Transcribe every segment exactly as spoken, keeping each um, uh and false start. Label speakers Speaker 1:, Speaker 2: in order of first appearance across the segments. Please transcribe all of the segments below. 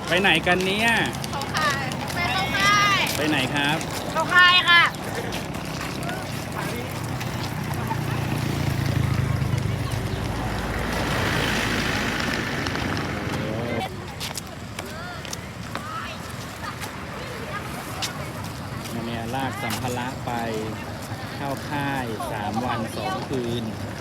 Speaker 1: ไปไหนกันเนี่ย
Speaker 2: เขาขายไปเข้าค่าย
Speaker 1: ไปไหนครับ
Speaker 2: เข้าค่ายค่ะ
Speaker 1: เนี่ยลากสัมภาระไปเข้าค่ายสามวันสองคืน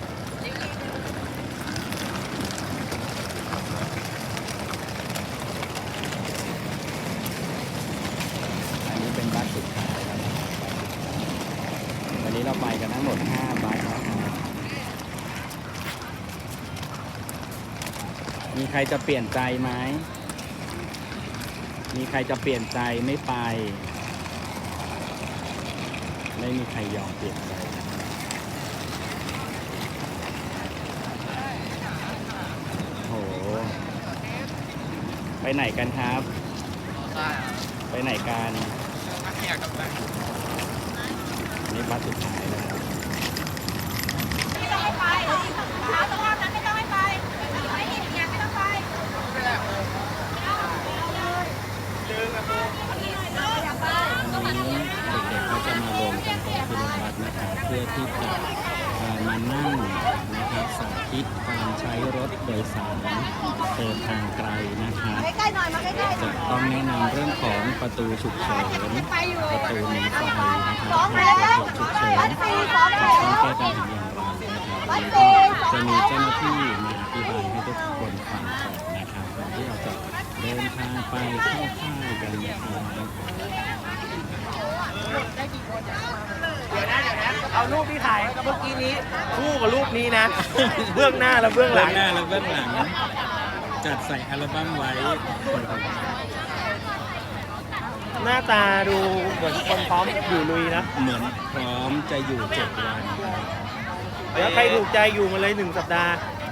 Speaker 1: อันนี้เป็นบัสสุดท้ายแล้ววันนี้เราไปกันทั้งหมดห้าบัสนะครับมีใครจะเปลี่ยนใจไหมมีใครจะเปลี่ยนใจไม่ไปไม่มีใครยอมเปลี่ยนใจโหไปไหนกันครับไปไหนกันนี่บัสสุดท้ายแล้ว
Speaker 2: ไม่ต้องไปหาตรงนั้นไม่ต้องไปไม่เห็นยังไม่ต้องไป
Speaker 1: เด็กๆก็จะมารวมกันตรงขึ้นรถบัสนะครับเพื่อที่จะมานั่งนะครับสาธิตการใช้รถโดยสารเดินทางไกลนะครับจะต้องแนะนำเรื่องของประตูฉุกเฉินประตูหนีไฟนะครับประตูฉุกเฉินต้องแก้ปัญหาอย่างไรนะครับจะมีเจ้าหน้าที่มาอธิบายให้ทุกคนฟังก่อนนะครับก่อนที่เราจะเดินทางไปเข้าค่ายกันนะครับ
Speaker 3: เดี๋ยวนะเดี๋ยวนะเอารูปที่ถ่ายเมื่อกี้นี้คู่กับรูปนี้นะ เบื้องหน้าและเบื้องห
Speaker 1: เบื้
Speaker 3: ลั
Speaker 1: อง งหน้าและเบื้องหลังจัดใส่อัลบั้มไว้
Speaker 3: หน้าตาดูเหมือนคนพร้อมอยู่ลุยนะ
Speaker 1: เหมือนพร้อมจะอยู่เจ็ดวัน
Speaker 3: แล้วใครถูกใจอยู่มาเลยหนึ่งสัปดาห์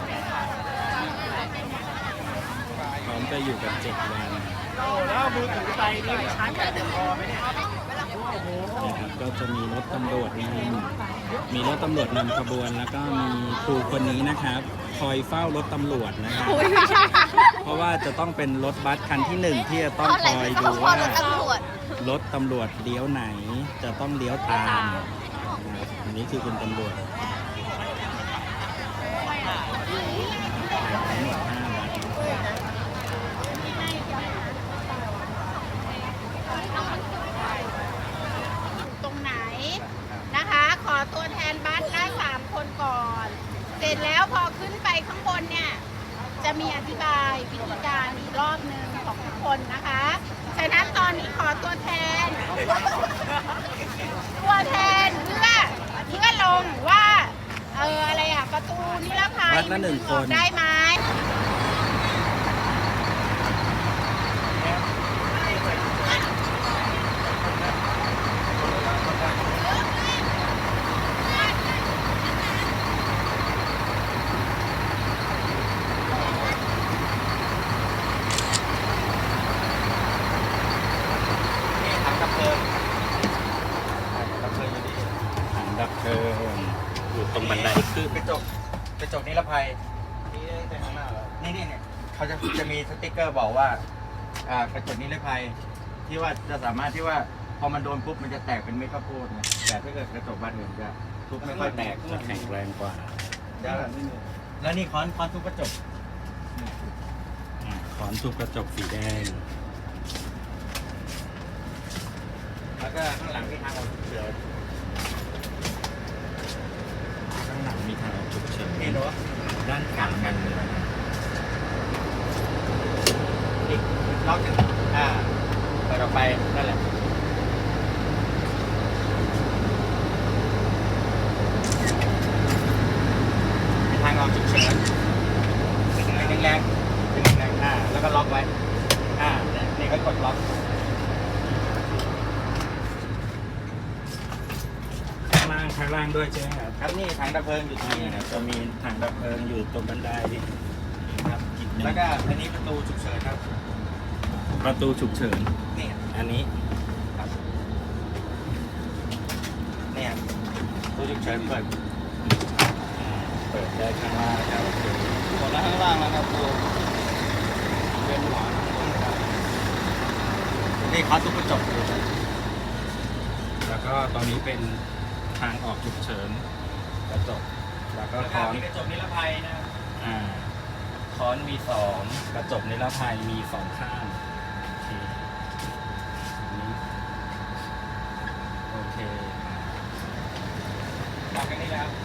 Speaker 1: พร้อมจะอยู่กันเจ็ดวัน
Speaker 3: โอ้แล้วมือถือไปนี่ชาร์จแบตพอไหมเนี่ย
Speaker 1: นะครับก็จะมีรถตำรวจนำมีรถตำรวจนำขบวนแล้วก็มีครูคนนี้นะครับ คอยเฝ้ารถตำรวจนะครับเพราะว่าจะต้องเป็นรถบัสคันที่หนึ่งที่จะต้องคอยดูว่ารถตำรวจเลี้ยวไหนจะต้องเลี้ยวตามอันนี้คือคุณตำรวจทั้งหมดห้าบัส
Speaker 2: ตรงไหนนะคะขอตัวแทนบัสได้สามคนก่อนเสร็จแล้วพอขึ้นไปข้างบนเนี่ยจะมีอธิบายวิธีการอีกรอบหนึ่งของทุกคนนะคะฉะนั้นตอนนี้ขอตัวแทนตัวแทนเพื่อเพื่อลงว่าเอออะไรอะประตูนิรภัย
Speaker 1: บัสละหนึ่งคน
Speaker 2: ได้ไหม
Speaker 3: ถังดับเพลิงดับเพลิงอยู่นี่
Speaker 1: ถังดับเพลิงอยู่ตรงบันได
Speaker 4: คือกระจกกระจกนิรภัยนี่นี่เนี่ยเขาจะจะมีสติ๊กเกอร์บอกว่าอ่ากระจกนิรภัยที่ว่าจะสามารถที่ว่าพอมันโดนปุ๊บมันจะแตกเป็นเม็ดข้าวโพดนะแต่ถ้าเกิดกระจกบานอื่นจะทุบไม่ค่อยแตก
Speaker 1: จะแข็งแรงกว่า
Speaker 4: แล้วนี่ค้อนค้อนทุบกระจก
Speaker 1: อ่าขอนทุบกระจกสีแดง
Speaker 4: แล้วก็ข้างหลังมีทางออกฉุกเฉิน
Speaker 1: ข้างหลังมีทางออกฉุกเฉิน
Speaker 4: เห็นหรอ
Speaker 1: ด้านขวามัน
Speaker 4: อีกล็อกหนึ่งอ่าเปิดออกไปนั่นแหละเป็นทางออกฉุกเฉินเป็นแรงๆเป็นแรงๆอ่าแล้วก็ล็อกไว้อ่านี่ก็กดล็อก
Speaker 1: ข้างล่างข้างล่างด้วยใช่ไหมครับ
Speaker 4: ครับนี่ถังดับเพลิงอยู่ตรง
Speaker 1: นี่
Speaker 4: นี้
Speaker 1: นะจะมีถังดับเพลิงอยู่ตรงบันไดครับอีกหนึ่ง
Speaker 4: แล้วก็อันนี้ประตูฉุกเฉินครับ
Speaker 1: ประตูฉุกเฉิน
Speaker 4: นี่
Speaker 1: อันนี้
Speaker 4: ครับเนี่ยประตูฉุกเฉินเปิด
Speaker 1: อ่าเปิดได้ข้างล่างครับ
Speaker 4: หมดแล้วข้างล่างแล้วครับตัวเป็นหัวนี่เขาทุบกระจกอยู่
Speaker 1: แล้วก็ตรงนี้เป็นทางออกฉุกเฉินกระจกแล้วก็ค้อน
Speaker 4: มีกระจกนิรภัยนะครับ
Speaker 1: อ่าค้อนมีสองกระจกนิรภัยมีสองข้างโอเคอันนี้โอเค
Speaker 4: มากันนี่แล้ว